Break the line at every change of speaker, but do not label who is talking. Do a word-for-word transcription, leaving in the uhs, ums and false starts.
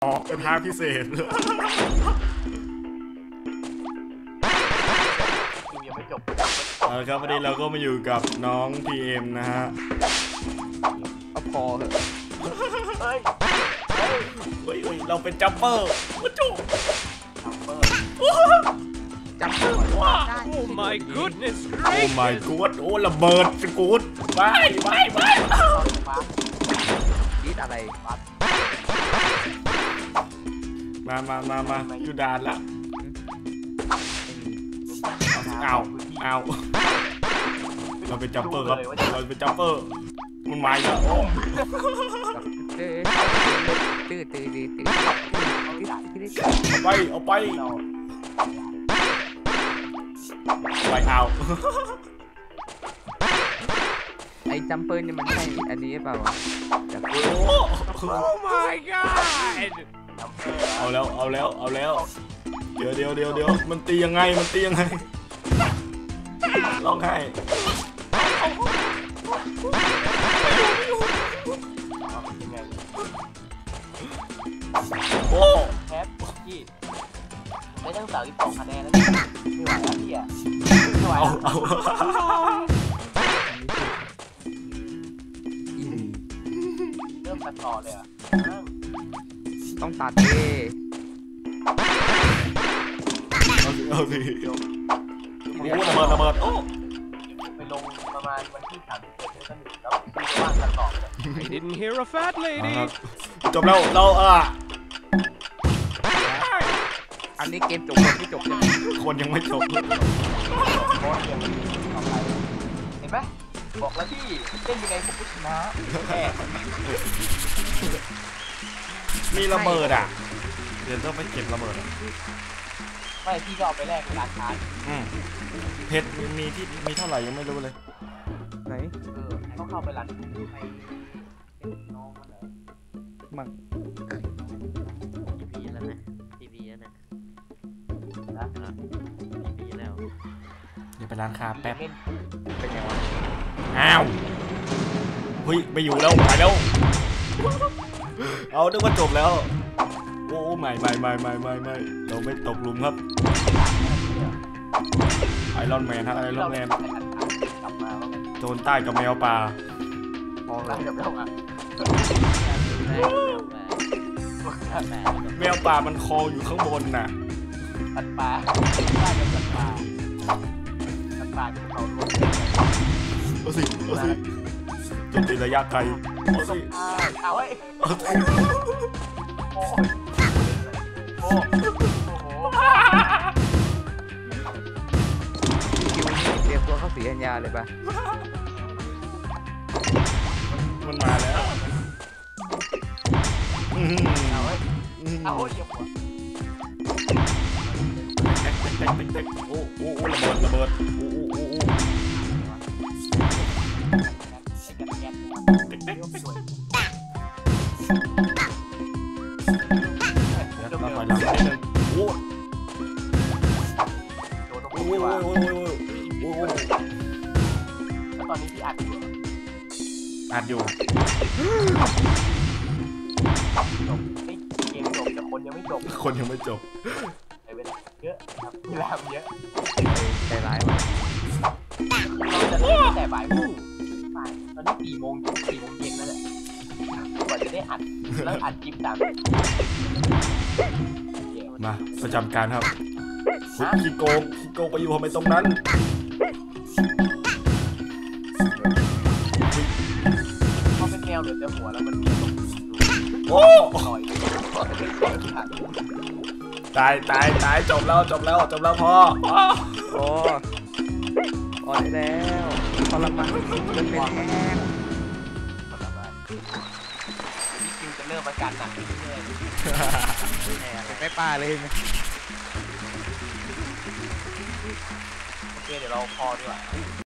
ออกเป็นภาคพิเศษ
ยังไม่จบ
เอาละครับวันนี้เราก็มาอยู่กับน้องพีเอ็มนะฮะ
เอาพอเถอะ
เฮ้ย
เฮ้ยเฮ้ยเราเป็นจัมเปอร์ว้าจุ๊
จัมเปอร์
จัมเปอร์ว้า
Oh my goodness
โอ้ my god โอ้ระเบิดสกูดไปไปไป
ดีดอะไร
มามามามาอยู่ด่านละเอาเอาเราเป็นจัมเปอร์ครับเราเป็นจัมเปอร์มันมาแล้วโอ้
ตื้อตื้อตื้อตื้อ
เอาไปเอาไปไปเอา
ไอ้จัมเปอร์นี่มันใช่อันนี้เปล่าวะ
Oh my god
เอาแล้วเอาแล้วเอาแล้วเดี๋ยวเดี๋ยวเดี๋ยวเดี๋ยวมันตียังไงมันตียังไงร้องไห้โอ้
แคปพี่ได้ตั้งสามสิบสองคะแนนแล้วไม่ไหวแล้วพี่อ่ะไม่ไหว
เอาเอา
เริ่มตัดต่อเลยอ่ะ
ต้องตัดเอ
เอาสิเอาสิโอ้ระเบิดระเบิดโอ้
ไปลงประมาณวันที่สามสิบเอ็ดแล้วก็หนึ่งแล้วพี่ว่างตัดต่อเลย
I didn't hear a fat lady
จบแล้วเราเออ
อันนี้เกมจบคนที่จบยัง
คนยังไม่จบ
เห็นไหมบอกแล้วพี่เล่นยังไงผมก็ชนะแค่
มีระเบิดอ่ะเดี๋ยวต้องไปเก็บระเบิด
ไม่พี่ก็เอาไปแลกในร้านค้า
เพชรมีที่มีเท่าไหร่ยังไม่รู้เลย
ไหน
เออต้องเข้าไปร้านไปน้องมันเหรอ
มั่ง
ทีพีแล้วนะทีพีแล้วนะนะทีพีแล้ว
เดี๋ยวไปร้านค้าแป๊บ
เป็นไงวะ
อ้าวเฮ้ยไปอยู่แล้วไปแล้วเอานึกว่าจบแล้วโอ้ไม่ไม่ไม่ไม่ไม่ไม่เราไม่ตกหลุมครับไอรอนแมนฮะไอรอนแมนโจรใต้กับแมวป่า
พอแล้วกับแมวป่า
แมวป่ามันคออยู่ข้างบนน่ะ
สัตว์ป่าได้กับสัตว์ป่าสัตว์ป่าที่เขาลง
เอาสิเอาสิโจมตีระยะไกลเอาสิ
เอาไว้โอ้โอ้โอ้
คิวนี่เตรียมตัวเข้าสีอัญญาเลยปะ
มันมาแล้ว
เอาไว้เอาไว้อย่าหัว
โอ้โอ้โอ้ระเบิดระเบิดโอ้โอ้โอ้โอ้เราถอยหลังนิดนึงโอ้โอ้โอ้โอ้โอ้โอ้
แล้วตอนนี้พี่อัดอยู่
อัดอยู่
จบเกมจบแต่คนยังไม่จบ
คนยังไม่จบ
ใช้เวลาเยอะครับเวลาเยอะ
ใจร้ายว่ะ
เราจะเล่นแต่บ่ายโมงตอนนี้สี่โมงสี่โมงเย็นแล้วแหละกว่าจะได้อัดแล้วอัดคลิปตาม
มาประจำการครับขี้โกงขี้โกงไปอยู่ทำไมตรงนั้น
พอเป็นแมวเหลือแต่หัวแล้วมัน
โอ้ตายตายตายจบแล้วจบแล้วจบแล้วพอ
โอ้อ่อนแล้วพอละมันเป็นแห้ง
พี่คิวจะเริ่มอาการหนักขึ้นเรื่อย
ๆไม่ป้าเลยไหม
โอเคเดี๋ยวเราพอดีกว่า